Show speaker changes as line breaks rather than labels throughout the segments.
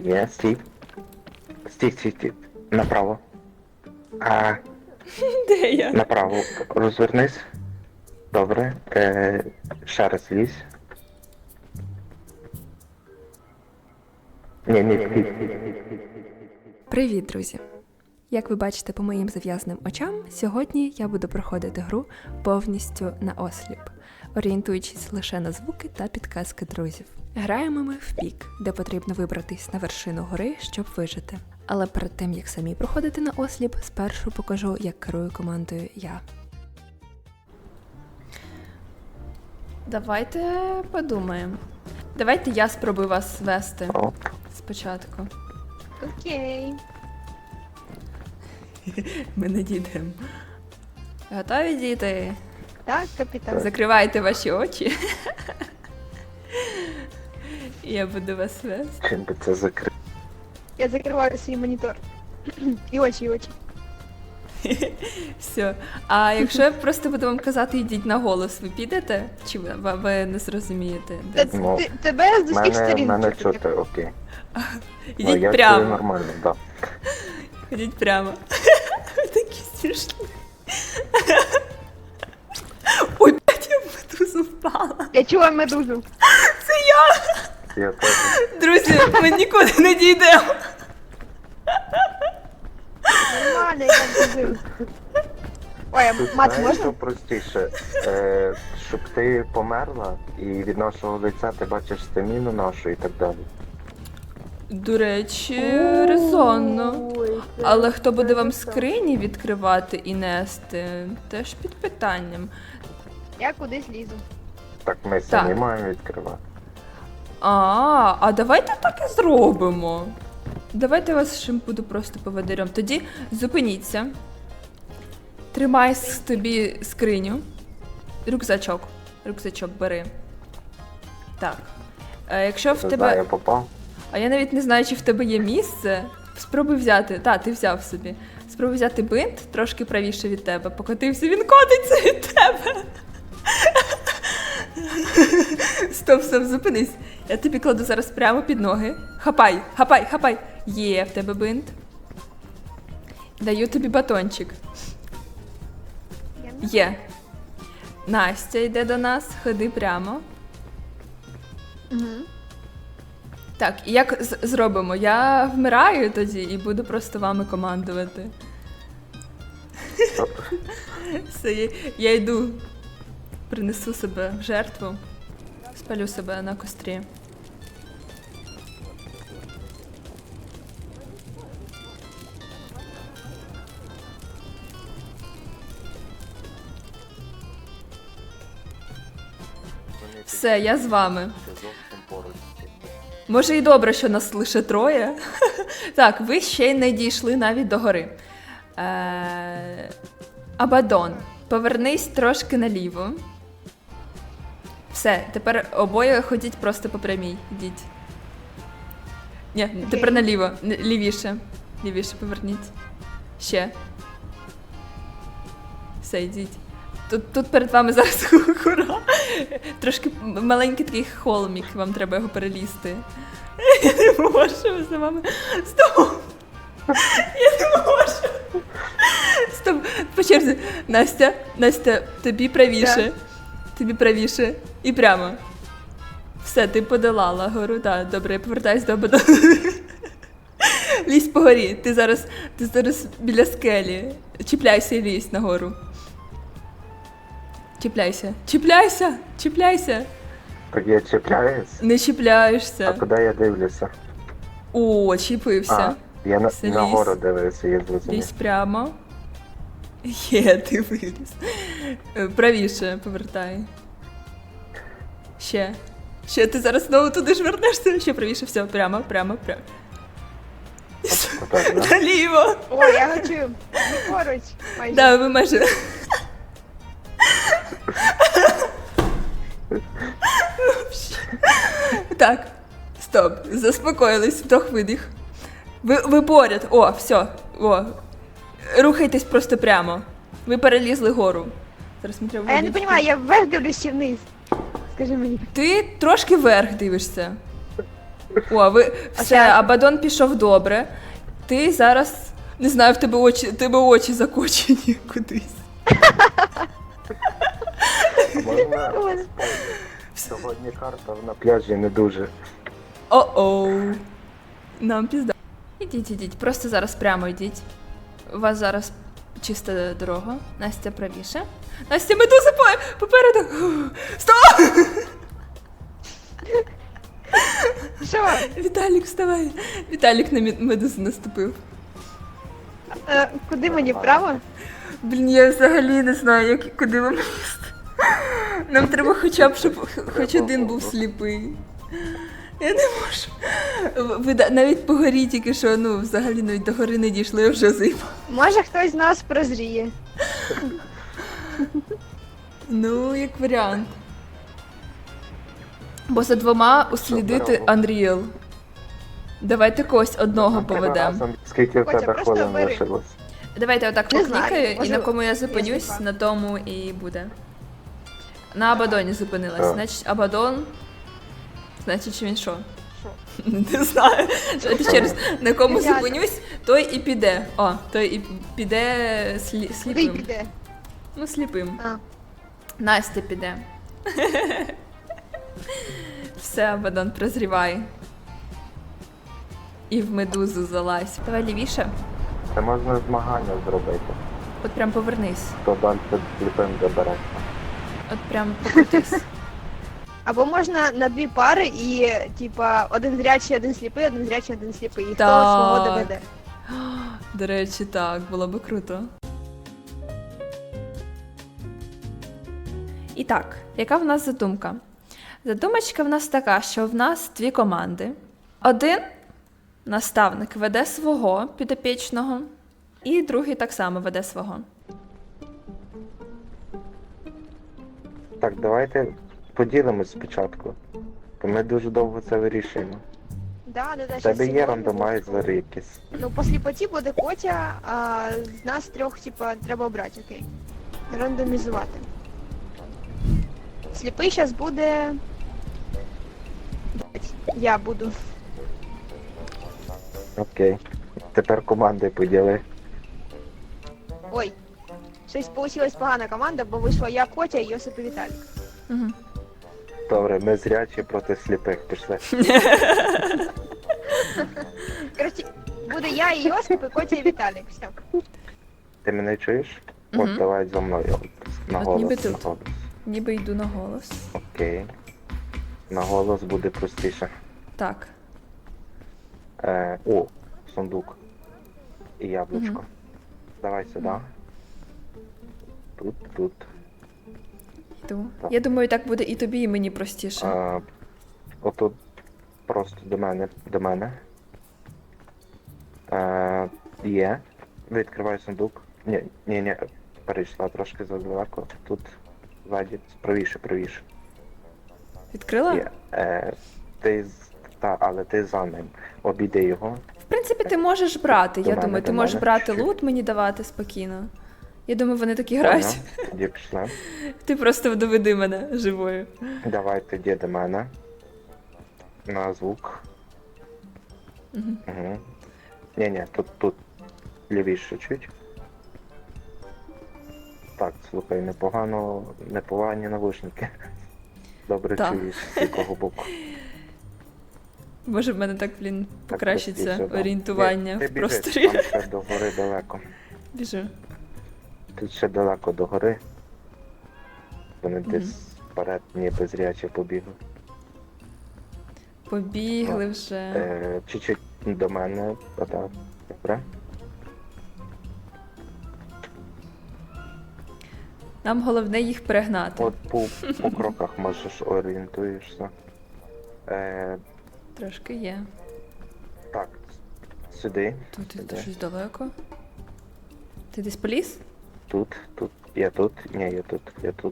Ні, стій. Стій. Направо.
Де я?
Направо. Розвернись. Добре. Ще раз лізь. Ні.
Привіт, друзі! Як ви бачите по моїм зав'язаним очам, сьогодні я буду проходити гру повністю на осліп, орієнтуючись лише на звуки та підказки друзів. Граємо ми в пік, де потрібно вибратись на вершину гори, щоб вижити. Але перед тим, як самі проходити на осліп, спершу покажу, як керую командою я. Давайте подумаємо. Давайте я спробую вас вести спочатку.
Окей.
Ми не дійдемо. Готові, діти?
Так, капітан.
Закривайте ваші очі. Я буду вас вести.
Чим би це закрити?
Я закриваю свій монітор. І очі.
Все. А якщо я просто буду вам казати, йдіть на голос, ви підете? Чи ви не зрозумієте? Де це?
Ну,
Тебе з усіх сторін.
Мене
чути.
чути, окей.
Ідіть
Я чую
прямо.
нормально, да.
Ідіть прямо. Ви такі смішні. Ой, блядь, я в медузу впала.
Я чула медузу.
Це я!
Я теж.
Друзі, ми нікуди не дійдемо.
Нормально, я медузу. Ой,
Тут
мат,
знаєш, що
можна?
простіше? Щоб ти померла і від нашого лиця ти бачиш стаміну нашу і так далі.
До речі, резонно. Але хто буде вам скрині відкривати і нести, теж під питанням.
Я кудись лізу.
Так ми самі маємо відкривати.
А давайте так і зробимо. Давайте я вас ще буду просто поводирем. Тоді зупиніться. Тримай тобі скриню. Рюкзачок бери. Так. Якщо в
Це
тебе.
я попав.
А я навіть не знаю, чи в тебе є місце. Спробуй взяти. Ти взяв собі. Спробуй взяти бинт трошки правіше від тебе. Покотився, він котиться від тебе. Стоп, зупинись. Я тобі кладу зараз прямо під ноги. Хапай. Є в тебе бинт. Даю тобі батончик. Є. Настя йде до нас, ходи прямо.
Угу.
Так, і як зробимо? Я вмираю тоді і буду просто вами командувати. Все, я йду. Принесу себе в жертву. Спалю себе на кострі. Все, я з вами.
Це зовсім поруч.
Може і добре, що нас лише троє. Так, ви ще й не дійшли навіть до гори. Абадон, повернись трошки наліво. Все, тепер обоє ходіть просто по прямій. Йдіть. Ні, тепер наліво. Лівіше. Лівіше поверніть. Ще. Все, йдіть. Тут перед вами зараз гора. Трошки маленький такий холмік, вам треба його перелізти. Я не можу за вами. Стоп! Я не можу. Стоп, по черзі. Настя, тобі правіше. Тобі правіше. І прямо. Все, ти подолала гору. Так, добре, я повертаюсь до Абадону. Лізь по горі. Ти зараз біля скелі. Чіпляйся і лізь нагору. Чіпляйся.
Так я чіпляюсь?
Не чіпляєшся.
А куди я дивлюся?
О, чіпився.
А, я
Все,
на
лізь.
гору дивився, я зрозумів.
Лізь прямо. Є, ти виліз. Правіше повертай. Ще, ти зараз знову туди ж вернешся. Ще правіше, все, прямо.
Отак, да?
Наліво.
Ой, я хочу. Ми поруч. Майже.
Да, ви майже. Так, стоп, заспокоїлись, вдох видих. Ви поряд, все, рухайтесь просто прямо. Ви перелізли гору. Зараз мені треба.
А я не розумію, я вверх дивлюсь чи вниз. Скажи мені.
Ти трошки вверх дивишся. О, ви все,
зараз-
Абадон пішов добре. Ти зараз. Не знаю, в тебе очі закочені кудись.
Можна сьогодні карта на пляжі не дуже.
О-оу. Нам пізда. Ідіть, просто зараз прямо йдіть. У вас зараз чиста дорога. Настя правіше. Настя, медуза попереду. Стоп!
Що?
Віталік, вставай. Віталік на медузу наступив.
Куди мені вправо?
Блін, я взагалі не знаю, куди вам лізти. Нам треба хоча б, щоб хоч один був сліпий. Я не можу. Ви навіть по горі тільки що, ну, взагалі навіть до гори не дійшли, вже зима.
Може хтось з нас прозріє.
Ну, як варіант. Бо за двома услідити Unreal. Давайте когось одного
Треба
поведемо.
разом. Скільки в
Котя,
тебе
просто
хвилин
бери.
лишилось?
Давайте отак
Не знаю,
поклікаю, і
може,
на кому я
я
зупинюсь,
сліпа.
на тому і буде. На Абадоні зупинилась.
Так.
Значить, Абадон. Значить, що він що?
Що?
Не знаю. Давайте ще раз. На кому
Ребята.
зупинюсь, той і піде. О, той і піде
Куди
сліпим.
піде?
Ну, сліпим.
А.
Настя піде. Все, Абадон, прозрівай. І в медузу залазь. Давай лівіше.
Це можна змагання зробити.
От прям повернись.
Хто далі сліпим добереться.
От прям покрутись.
Або можна на дві пари і, типа, один зрячий, один сліпий, один зрячий, один сліпий. І хто
Так.
свого доведе.
До речі, так, було би круто. І так, яка в нас задумка? Задумочка в нас така, що в нас дві команди. Один наставник веде свого підопічного, і другий так само веде свого.
Так, давайте поділимось спочатку. То ми дуже довго це вирішуємо.
Да,
В
щас
тебе є
сьогодні
рандомайзери якісь.
Ну, по сліпоті буде Котя, а з нас трьох, типа, треба обрати, окей. Рандомізувати. Сліпий зараз буде. Блядь, я буду.
Окей. Тепер команди поділи.
Ой. Щось вийшла погана команда, бо вийшла я, Котя і Йосип і Віталік.
Угу.
Добре, ми зрячі проти сліпих пішли.
Коротше, буде я і Йосип, і Котя і Віталік. Все.
Ти мене чуєш?
Мгм.
От давай зі мною. На
От
голос,
ніби
на
тут.
голос.
Ніби йду на голос.
Окей. На голос буде простіше.
Так.
О, сундук. І яблучко.
Мгм.
Давай сюди. Тут.
Йду.
Так.
Я думаю, так буде і тобі, і мені простіше.
Отут просто до мене. Є. Відкриваю сундук. Ні, перейшла трошки задалеко. Тут ззаді, правіше.
Відкрила?
Є. Але ти за ним. Обійди його.
В принципі, ти можеш брати.
До
Я
мене,
думаю, ти
до
можеш
мене,
брати
чуть-чуть.
лут, мені давати спокійно. Я думаю, вони такі грають.
Поняв? Тоді пішли.
Ти просто доведи мене живою.
Давай тоді до мене. На звук.
Угу.
Угу. Ні, тут лівіше чуть. Так, слухай, непогані навушники. Добре
Так.
чуєш з якого боку.
Може, в мене так, блін,
Так,
покращиться
простіше, да.
орієнтування
Ні, ти
в
біжи,
просторі.
Там ще до гори далеко.
Біжу.
Тут ще далеко до гори. Вони
Мгм.
десь вперед ніби зряче побігли.
Побігли вже.
Чуть-чуть до мене, отак. Добре.
Нам головне їх перегнати.
От по кроках можеш орієнтуєшся.
Трошки є.
Так, сюди.
Тут
Сюди.
ти щось далеко. Ти десь поліз?
Тут. Я тут. Ні, я тут.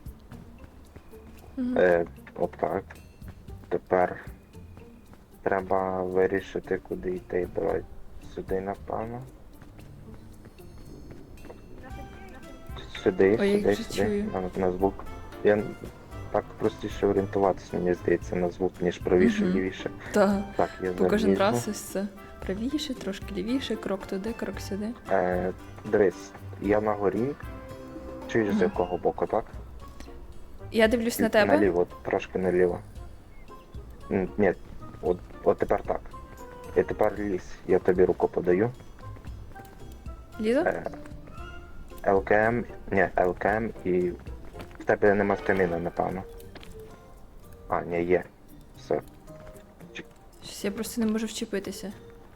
Угу.
От так. Тепер треба вирішити, куди йти. Давай сюди, напевно. Сюди,
Ой, я
сюди,
вже
сюди.
чую.
На звук. Я Так простіше орієнтуватися, мені здається, на звук, ніж правіше,
Мгм.
лівіше.
Так.
Так, я
Бо кожен
залізу.
раз ось це правіше, трошки лівіше, крок туди, крок сюди.
Дивись, я на горі. Чуєш, з
Мгм.
якого боку, так?
Я дивлюсь на тебе.
Наліво, трошки наліво. Ні, от тепер так. І тепер лізь, я тобі руку подаю.
Лізу?
ЛКМ і в тебе нема стаміни, напевно. А, ні, є. Все.
Щось я просто не можу вчепитися.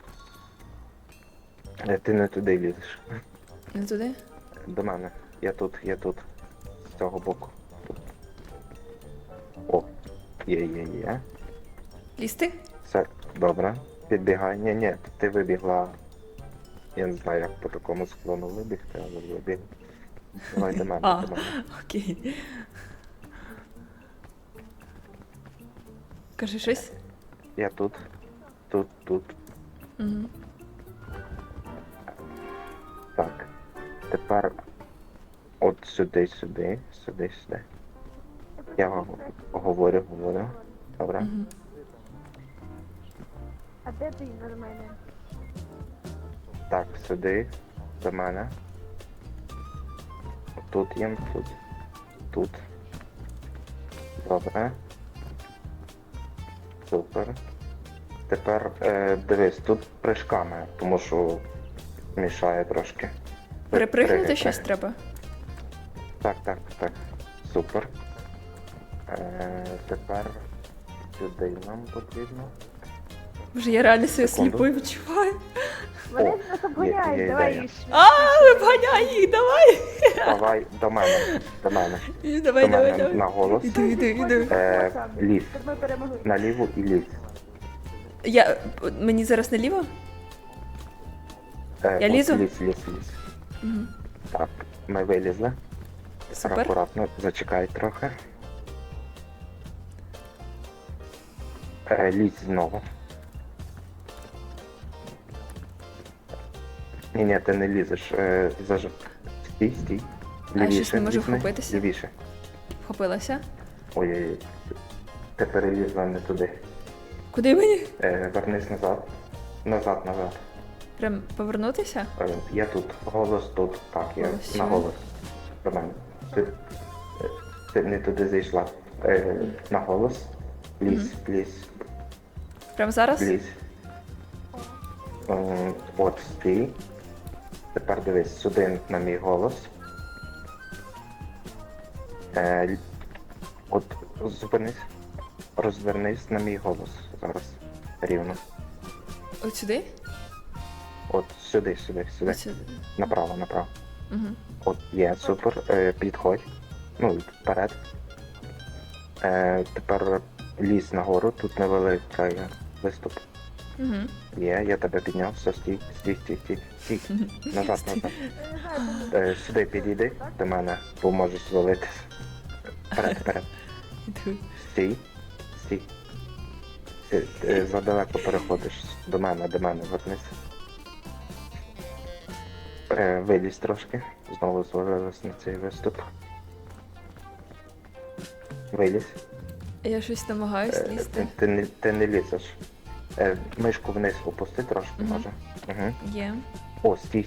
Ти не туди лізеш.
Не туди?
До мене. Я тут. З цього боку. Тут. О, є.
Лізти?
Все, добре. Підбігай. Ні, ти вибігла. Я не знаю, як по такому склону вибігти, але вибіг. Давай до мене,
А.
до мене.
Окей. Кажи щось.
Я тут.
Угу.
Так. Тепер от сюди. Я говорю. Добре.
Угу.
А де ти на мене?
Так, сюди, до мене. Тут їм, тут. Добре. Супер. Тепер дивись, тут прыжками, тому що мішає трошки.
Перепригнути
Пригай,
щось
пригай.
треба?
Так. Супер. Тепер сюди нам потрібно.
Боже, я реально себе
Секунду.
сліпою відчуваю.
Вони
О,
нас
є
обганяють, давай
ідея.
їх.
Вганяй їх, давай!
Давай до мене.
Давай.
На голос.
Іду.
Лізь.
Щоб ми перемогли.
Наліво і лізь.
Мені зараз наліво? Я
от
лізу?
Лізь.
Угу.
Так, ми вилізли.
Супер.
Акуратно, зачекай трохи. Лізь знову. Ні, ти не лізеш. Стій.
А, щось не можу вхопитися?
Лівіше.
Вхопилася.
Ой. Ти перелізла не туди.
Куди мені?
Вернись назад. Назад.
Прям повернутися?
Я тут. Голос тут. Так, я
Голос
на
сюди.
голос. До мене. Ти не туди зайшла. На голос. Лізь.
Прям зараз?
Лізь. От стій. Тепер дивись сюди на мій голос. От зупинись. Розвернись на мій голос зараз. Рівно.
От сюди?
От сюди.
От сюди.
Направо.
Угу.
От є, супер. Підходь. Ну, вперед. Тепер лізь нагору, тут невеликий виступ.
Угу.
Є, я тебе підняв, все, стій. Назад. Сюди підійди до мене, бо можеш звалитись. Вперед.
Іду.
Стій. Ти задалеко переходиш до мене, вернись. Вилізь трошки. Знову звалилась на цей виступ. Вилізь.
Я щось намагаюсь лізти.
Ти не лізеш. Мишку вниз опусти трошки,
Мгм.
може. Угу.
Є.
О, стій.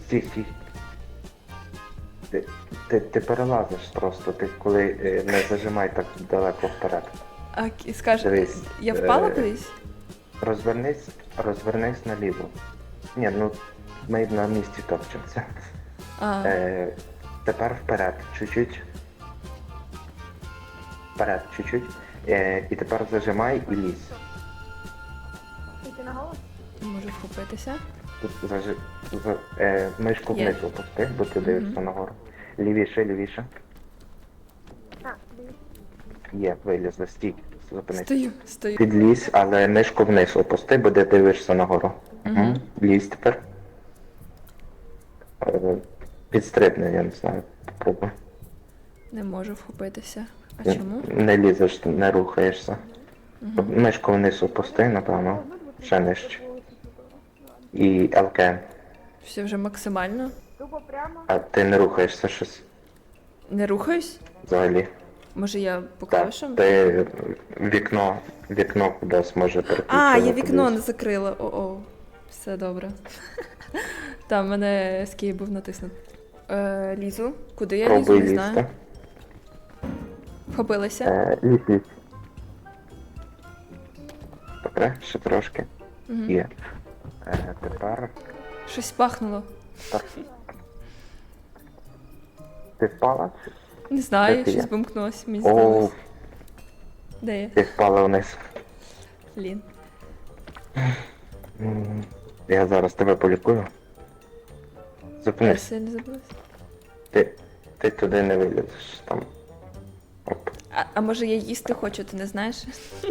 Ти перелазиш просто, ти коли не зажимай так далеко вперед.
А скажи,
Дивись,
я впала кудись?
Розвернись наліво. Ні, ну ми на місці топчемося.
А,
Тепер вперед, чуть-чуть. І тепер зажимай і лізь.
Ти на голос?
не можу вхопитися.
Тут мишку
Є.
вниз опусти, бо ти дивишся нагору. Лівіше.
А, дивись.
Є, вилізли, стій, зупинись.
Стою.
Підлізь, але мишку вниз опусти, бо ти дивишся нагору. Угу. Лізь тепер. Підстрибни, я не знаю, попробуй.
Не можу вхопитися. А чому?
Не лізеш, не рухаєшся. Мишку вниз опусти, напевно, ще нижче. І ЛКМ.
Все вже максимально.
Тупо прямо.
А ти не рухаєшся щось
Не рухаюсь?
взагалі.
Може я по
Так,
клавішам?
ти вікно кудись може переключити.
А, я вікно не закрила. О-о. Все добре. Там мене escape був натиснут. Лізу. Куди я лізу?
Пробуй
Не знаю.
лізти.
Вхопилася.
Лізь. Добре, ще трошки.
Угу.
Є. Тепер.
Щось пахнуло.
Так. Ти впала?
Не знаю,
Де ти
щось
є?
вимкнулося, мені
О,
здалося. Де я?
ти впала вниз.
Блін.
Я зараз тебе полікую.
Я
Зупинись.
сильно забулася.
Ти туди не вилізеш. Там. Оп.
А може я їсти хочу, ти не знаєш?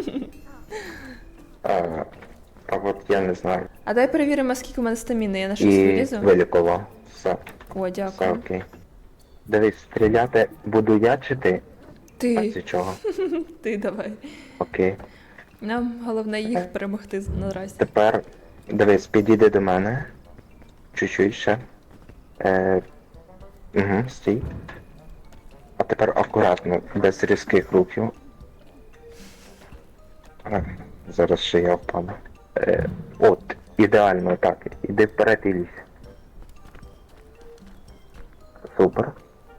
А от я не знаю.
А дай перевіримо, скільки у мене стаміни. Я на щось
І
вилізу.
вилікував. Все,
О,
все
дякую.
окей. Дивись, стріляти буду я чи ти? А
Ти.
з чого?
Ти давай.
Окей.
Нам головне їх перемогти наразі.
Тепер, дивись, підійди до мене. Чуть-чуть ще. Стій. А тепер акуратно, без різких рухів. Зараз ще я впаду. От, ідеально так. Іди вперед і лізь. Супер.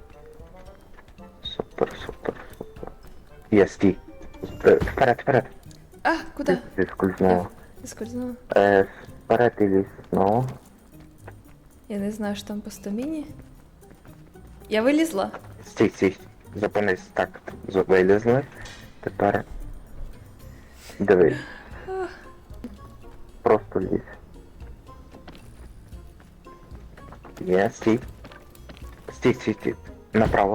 Супер. Є, стій. Вперед.
А, куди?
Зіскользнуло.
Скользнула.
Вперед і лізь знову.
Я не знаю, що там по стаміні. Я вилізла.
Стій. Зупинись. Так, вилізли. Тепер дивись. Просто лізь. Є, стій. Стій. Направо.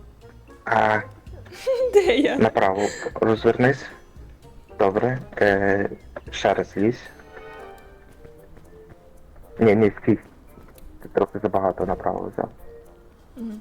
Де я?
Направо. Розвернись. Добре. Ще раз лізь. Ні, стій. Ти трохи забагато направо взяв.
Мгм.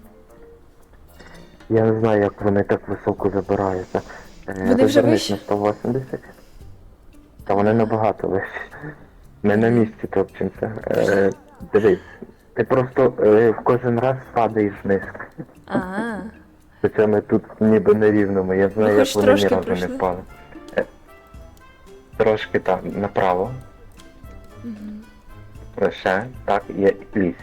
Я не знаю, як вони так високо забираються.
Вони вже
Розвернись
вищі?
на 180. Та вони набагато вищі. Ми на місці топчемося. Дивись, ти просто в кожен раз падаєш вниз.
Ага.
Хоча ми тут ніби на рівному. Я знаю,
хоч
як вони ні
трошки
разу
пройшли.
не впали. Трошки так, направо.
Мгм.
Ще, так, є лізь.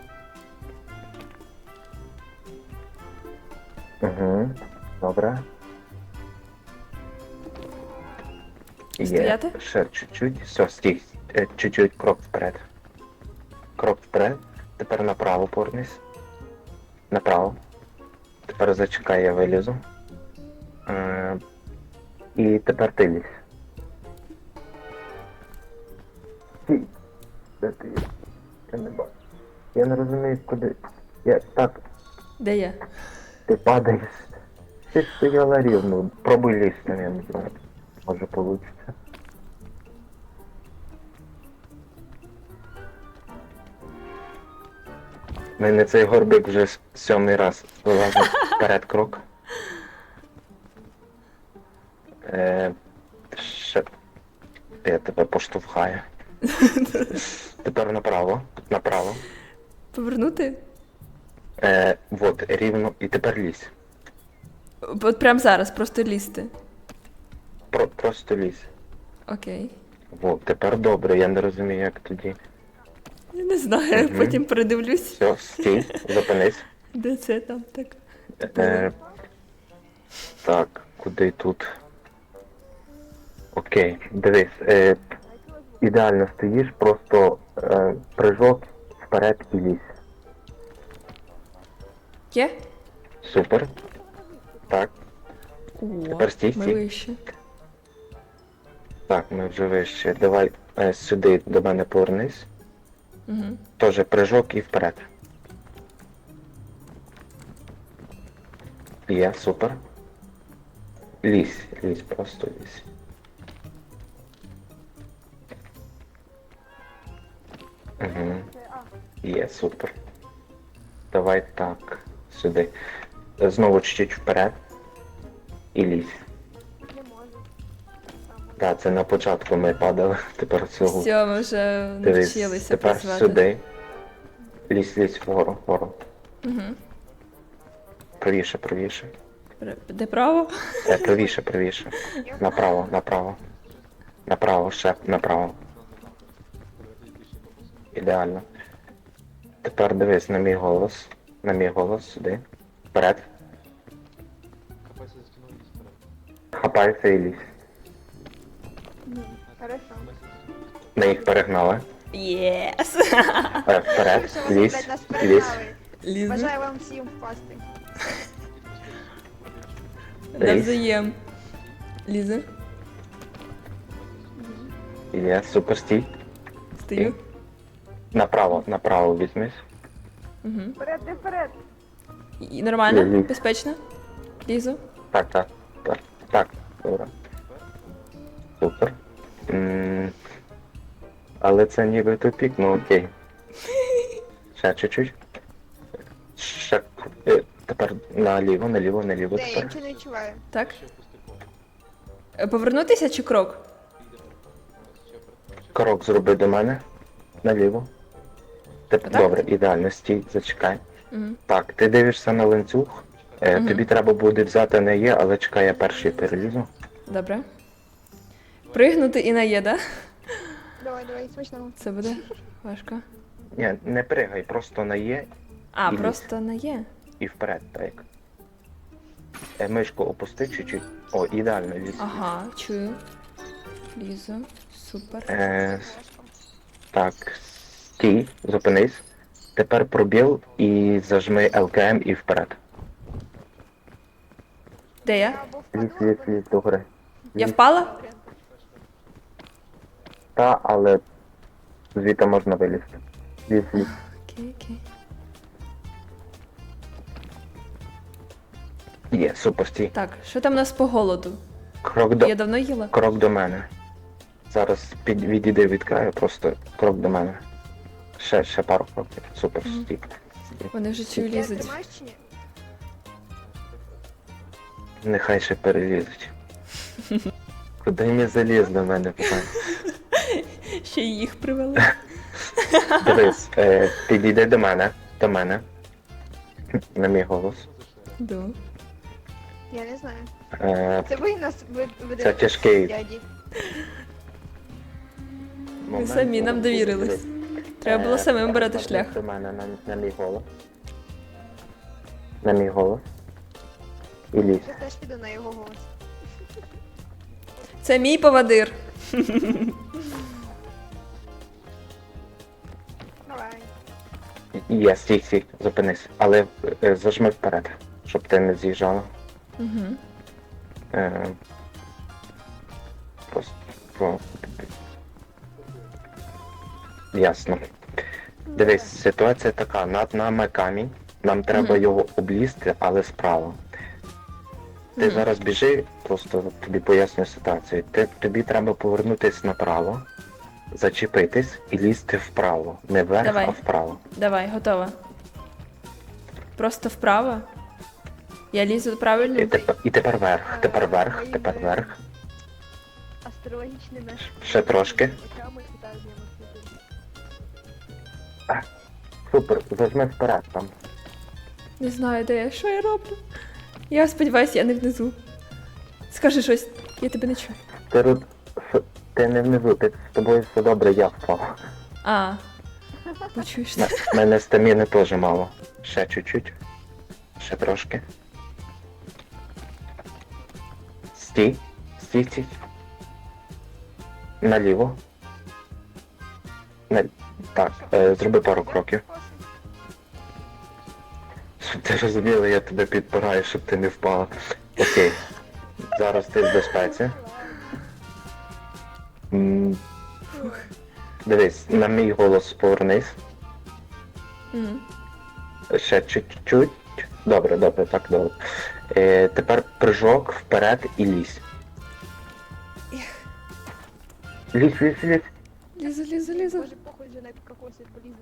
Добре. Є.
Стояти?
Ще чуть-чуть. Все, стій. Чуть-чуть крок вперед. Крок вперед. Тепер направо повернись. Направо. Тепер зачекай, я вилізу. І тепер ти лізь. Стій. Де ти є? Я не бачу. Я не розумію, куди. Так,
Де я?
ти падаєш. Ти ж стояла рівно. Пробуй лізти, я не знаю. Може вийде. У мене цей горбик вже 7-й раз вилазить вперед крок. Ще... Я тебе поштовхаю. Тепер направо. Направо.
Повернути?
Вот, рівно. І тепер лізь.
От прямо зараз, просто лізти.
Просто лізь.
Окей.
Вот, тепер добре, я не розумію, як тоді.
Я не знаю,
Мгм.
потім передивлюсь.
Все, стій, зупинись.
Де це там так?
Так, куди тут? Окей, дивись. Ідеально стоїш, просто прыжок вперед і лізь.
Є?
Супер. Так,
О,
Тепер стій,
ми
стій.
вище.
так, ми вже вище. Давай сюди до мене повернись.
Угу.
Тоже прыжок і вперед. Є, супер. Лізь, просто лізь. Угу. Є, супер. Давай так, сюди. Знову чуть-чуть вперед. І лізь.
Не можу.
Так, це на початку ми падали, тепер цього.
Все, ми вже
Дивись,
навчилися
тепер
працювати.
сюди. Лізь вгору.
Угу.
Правіше.
Де право?
Правіше, правіше. Направо, направо. Направо, ще направо. Ідеально. Тепер дивись на мій голос. На мій голос сюди. Вперед. Хапайся і лізь.
Хорошо.
Ми їх перегнали.
Єс!
Вперед,
Якщо вас,
лізь,
блядь, нас
лізь.
перегнали.
Лізу.
Бажаю вам всім впасти.
Навзаєм. Лізу.
Є, супер, стій.
Стою.
Направо, направо візьмись.
Угу.
Вперед, ти вперед.
І нормально?
Лізу.
Безпечно? Лізу.
Так, так, так, так, добре. Супер. Але це ніби тупік, ну окей. Ще чуть-чуть. Ще тепер наліво, наліво, наліво
Де, я
тепер.
нічого не відчуваю.
Так. Повернутися чи крок?
Крок зроби до мене. Наліво.
Отак?
Добре, ідеально, стій, зачекай.
Угу.
Так, ти дивишся на ланцюг.
Мгм.
Тобі треба буде взяти не є, але чекай, я перший перелізу.
Добре. Пригнути і на є, да?
Давай, давай, смачного.
Це буде важко.
Ні, не пригай, просто на є
А,
І лізь.
просто на є.
і вперед, так. Мишку опусти чуть-чуть. О, ідеально ліз.
Ага, чую. Лізу. Супер.
Так, стій, зупинись. Тепер пробіл і зажми ЛКМ і вперед.
Де я?
Або
Ліз,
впаду,
ліз,
або-
ліз до гори.
Я впала?
Та, але звідти можна вилізти. Ліз, ліз.
Окей, окей.
Є, супер, стій.
Так, що там у нас по голоду?
Крок
Я давно їла?
Крок до мене. Зараз відійди від краю, просто крок до мене. Ще пару кроків. Супер,
Мгм.
стій.
Вони вже чую
Ти
лізуть.
тримаєш чи ні?
Нехай ще перелізуть. Куди не заліз до мене, питання?
Ще й їх привели.
Дивись, підійди до мене. До мене. На мій голос.
Да.
Я не знаю.
Е,
Це ви нас ведете?
Це тяжкий
Дяді.
момент.
самі нам довірились. Треба було самим брати шлях.
До мене на мій голос. На мій голос. І лізь.
Я теж піду на його голос.
Це мій повадир.
Давай.
Є, стій, зупинись. Але зажми вперед, щоб ти не з'їжджала.
Угу.
Е, Просто. О. Ясно. Дивись, ситуація така, над нами камінь, нам треба
Мгм.
його облізти, але справа. Ти
Мгм.
зараз біжи, просто тобі поясню ситуацію. Тобі треба повернутися направо, зачепитись і лізти вправо. Не вверх,
Давай.
а вправо.
Давай, готова. Просто вправо. Я лізу правильно?
І тепер вверх, тепер вверх, тепер вверх.
Астрологічними.
Ще трошки.
очами і так діємо.
Супер, зажми вперед там.
Не знаю, де я. Що я роблю? Я сподіваюся, я не внизу. Скажи щось, я тебе не чую.
Ти не внизу, з тобою все добре, я впав.
А. Почуєш?
Мене стаміни теж мало. Ще чуть-чуть. Ще трошки. Стій. Стій. Наліво. Так, зроби пару кроків. Щоб ти розуміла, я тебе підпираю, щоб ти не впала. Окей. Зараз ти в безпеці. М, Дивись, на мій голос повернись.
Мгм.
Ще чуть-чуть. Добре, так добре. Тепер прыжок вперед і лізь. Лізь.
Лізу.
Може, похуй вже на кокоси полізу.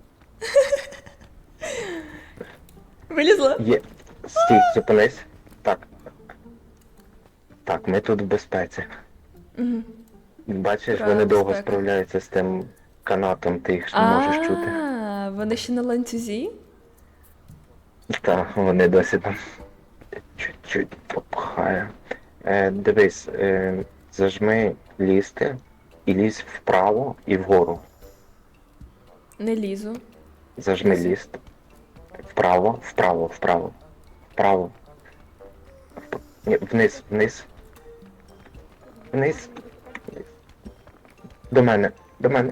Вилізла?
Є. Стій, зупинись. Так. Так, ми тут в безпеці.
Угу.
Бачиш,
Правда,
вони довго
безпека.
справляються з тим канатом, ти їх не можеш чути.
А, вони ще на ланцюзі?
Так, вони досі там. чуть-чуть попхаю. Дивись, зажми лізти і лізь вправо і вгору.
Не лізу.
Зажми
Лізу.
ліст. Вправо, вправо, вправо. Вправо. Ні, вниз, вниз. Вниз. Вниз. До мене, до мене.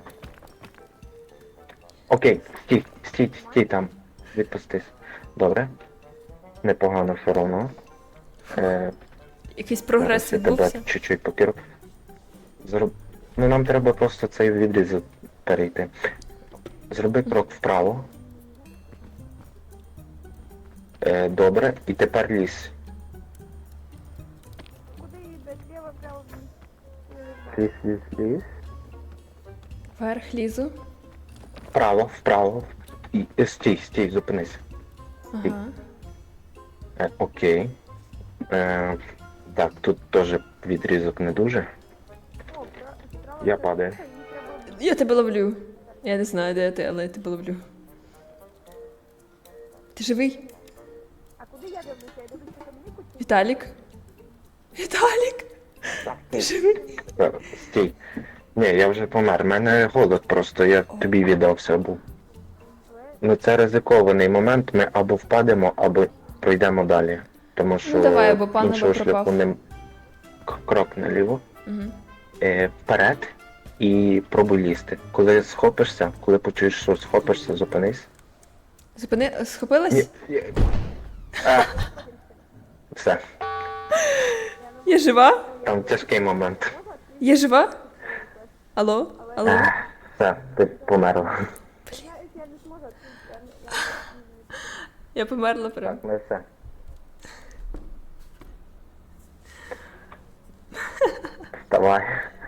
Окей, стій там. Відпустись. Добре. Непогано все одно.
Якийсь прогрес
Зараз я тебе
відбувся.
чуть-чуть покеру. Ну нам треба просто цей відрізок перейти. Зроби крок вправо. Добре, і тепер лізь.
Куди їде? Ліво, право,
Лізь.
Вверх лізу.
Вправо. І стій, зупинись.
Ага.
Окей. Так, тут теж відрізок не дуже. Я падаю.
Я тебе ловлю. Я не знаю, де ти, але я тебе ловлю. Ти живий?
А куди я дивлюся? Я дивлюся Домініку чи
Віталік? Віталік? Ти живий?
Стій. Ні, я вже помер. У мене голод просто, я тобі віддався був. Ну це ризикований момент, ми або впадемо, або пройдемо далі. Тому що
давай, бо пан
іншого
або пропав.
шляху не крок наліво,
Угу.
вперед і пробуй лізти. Коли схопишся, коли почуєш, що схопишся, зупинись.
Схопилась?
Ні. А. Все,
Я жива?
там тяжкий момент.
Я жива? Алло? Алло?
Все, ти померла.
я не зможу.
Я померла прям.
Так, ми все. Вставай.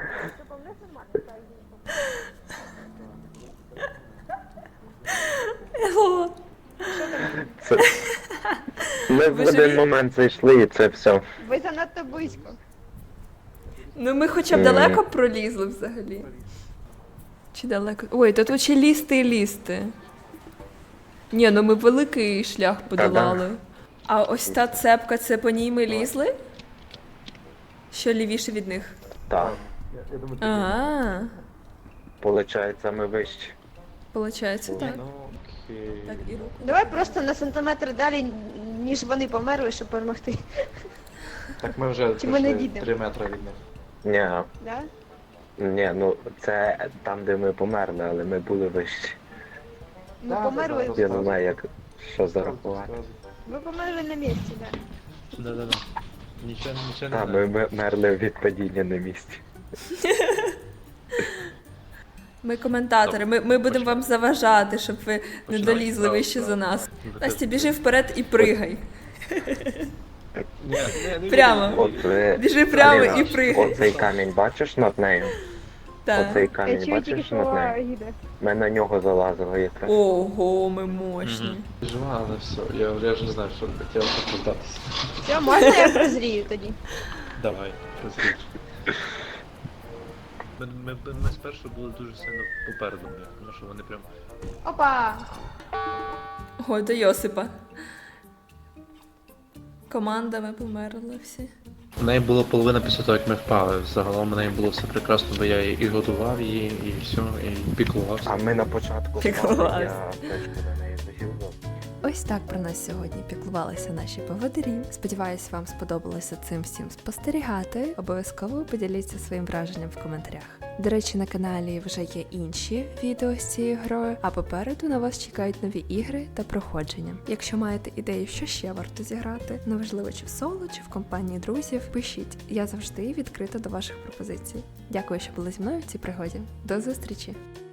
Алло?
Це... Ми в
Ви
один
живі?
момент зайшли і це все.
Ви занадто близько.
Ну ми хоча б далеко пролізли взагалі. Чи далеко? Ой, то тут ще лізти і лізти. Ні, ну ми великий шлях подолали. А ось та цепка, це по ній ми лізли? Що лівіше від них?
Так,
А,
получається, ми вище.
получається так. Так, і руку.
Давай просто на сантиметр далі, ніж вони померли, щоб перемогти.
Так ми вже
Чи ми не
пройшли
дійдемо?
3 метри від них.
Да?
Ну це там, де ми померли, але ми були вище.
Ми
Да,
померли.
да,
Я не знаю, як що зарахувати.
Ви померли на місці, да.
Да-да-да. Нічого не
Так,
знаю.
ми мерли від падіння на місці.
Ми коментатори, ми будемо вам заважати, щоб ви не
Починай.
долізли вище за нас. Настя, біжи вперед і пригай.
Ні,
Прямо. Біжи прямо і пригай.
Оцей камінь бачиш над нею?
Так.
Оцей
Я
камінь
чую тільки,
бачиш над
що
нею?
їде.
Ми на нього залазили якраз.
Ого, ми мощні.
Жива, але все. Я вже не знаю, що хотів так здатися.
Все, можна я прозрію тоді?
Давай, розріч. Ми спершу були дуже сильно попереду, тому що вони прям...
Опа!
Ой, до Йосипа. Командами померли всі.
У неї було половина після того, як ми впали. Загалом у неї було все прекрасно, бо я і годував її, і все, і піклувався.
А ми на початку
Піклувалися.
я точку на неї захилив.
Ось так про нас сьогодні піклувалися наші поводирі. Сподіваюсь, вам сподобалося цим всім спостерігати. Обов'язково поділіться своїм враженням в коментарях. До речі, на каналі вже є інші відео з цією грою, а попереду на вас чекають нові ігри та проходження. Якщо маєте ідею, що ще варто зіграти, неважливо чи в соло, чи в компанії друзів, пишіть. Я завжди відкрита до ваших пропозицій. Дякую, що були зі мною в цій пригоді. До зустрічі!